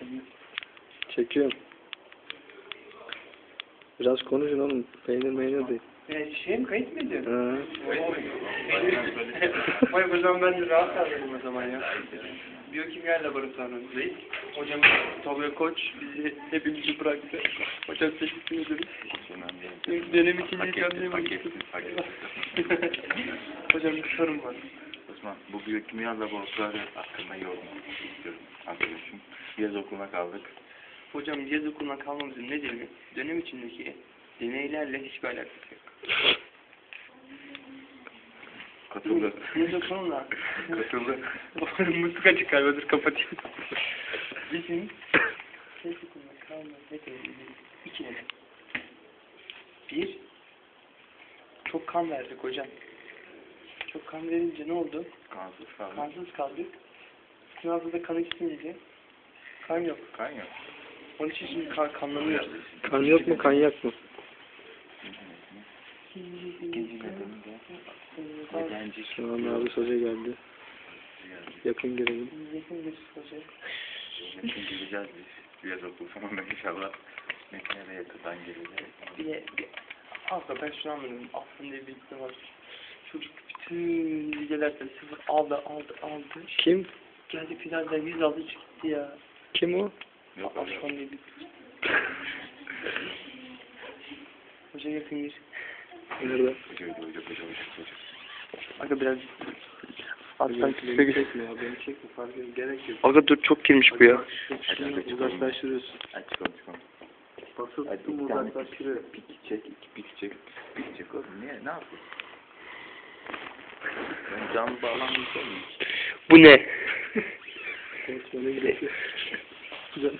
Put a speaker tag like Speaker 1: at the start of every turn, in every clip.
Speaker 1: Çekiyorum. Biraz konuşun oğlum. Peynir değil.
Speaker 2: Şey mi, kayıt mı ediyorsun?
Speaker 1: Ha.
Speaker 2: Vay o zaman ben de rahat kaldım o zaman ya. Biyokimya laboratuvarındayız. Hocam Tolga Koç bizi hepimizi bıraktı. Hocam teşekkür ederiz. Dönem ikinci canlıyım. Hocam bir sorun var.
Speaker 3: Osman, bu biyokimya laboratuvarı hakkında yorum istiyorum arkadaşım. Yaz okuluna kaldık.
Speaker 2: Hocam yaz okuluna kalmamızın nedeni dönem içindeki deneylerle hiçbir alakası yok.
Speaker 3: Katıldı.
Speaker 2: Yaz okuluna.
Speaker 3: Katıldı.
Speaker 2: Mutluluk açık galiba, dur kapatayım. Bizim yaz okuluna kalmamız nedeni iki neden. Bir, çok kan verdik hocam. Çok kan verince ne oldu?
Speaker 3: Kansız kaldık.
Speaker 2: Kansız kaldık. Sınavda da kan içmeyince kan yok.
Speaker 3: Kan yok.
Speaker 2: Onun için şimdi kanlanıyoruz.
Speaker 1: Kan yok mu, kanyak mı?
Speaker 3: İkinci nedeni de öğrenci.
Speaker 1: Şu an abi hoca geldi. Yakın girelim.
Speaker 2: Yakın bir hocam.
Speaker 3: Metin gireceğiz biz. Yaz okulu sonunda inşallah. Metin'e de yakından gireceğiz.
Speaker 2: Aslında ben şunu anladım. Aslında bir bilgi var. Çocuk bütün bilgilerde sıfır aldı.
Speaker 1: Kim?
Speaker 2: Geldi finalde 100 aldı çıktı ya.
Speaker 1: Kim o?
Speaker 3: Yok
Speaker 2: Afşon diye bir hoca yakın gir.
Speaker 1: Nerede?
Speaker 3: Hocam.
Speaker 2: Aga biraz alttan
Speaker 1: Beni
Speaker 2: küse
Speaker 1: çekme ya, beni çekme, fark yok, gerek yok.
Speaker 2: Aga dur, çok girmiş bu ya.
Speaker 1: Şunu uzaklaştırıyorsun.
Speaker 3: Hadi çıkalım.
Speaker 1: Basıp
Speaker 3: Hadi
Speaker 1: tuttum
Speaker 3: bir tane
Speaker 1: uzaklaştırıyor.
Speaker 3: pik çek, iki pik çek. Pik çek oğlum. Niye? Ne yapıyorsun? Ben canlı bağlanmayacak mıyım?
Speaker 2: Bu ne?
Speaker 1: Konuşmana gerek yok. Güzel.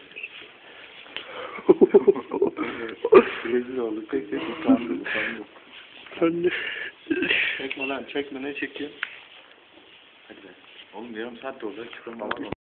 Speaker 3: Rezil olduk. Pek utandım.
Speaker 1: Sen de.
Speaker 3: Çekme lan, çekme. Ne çekiyor? Hadi be. Oğlum yarım saat de olacak. Çıkalım.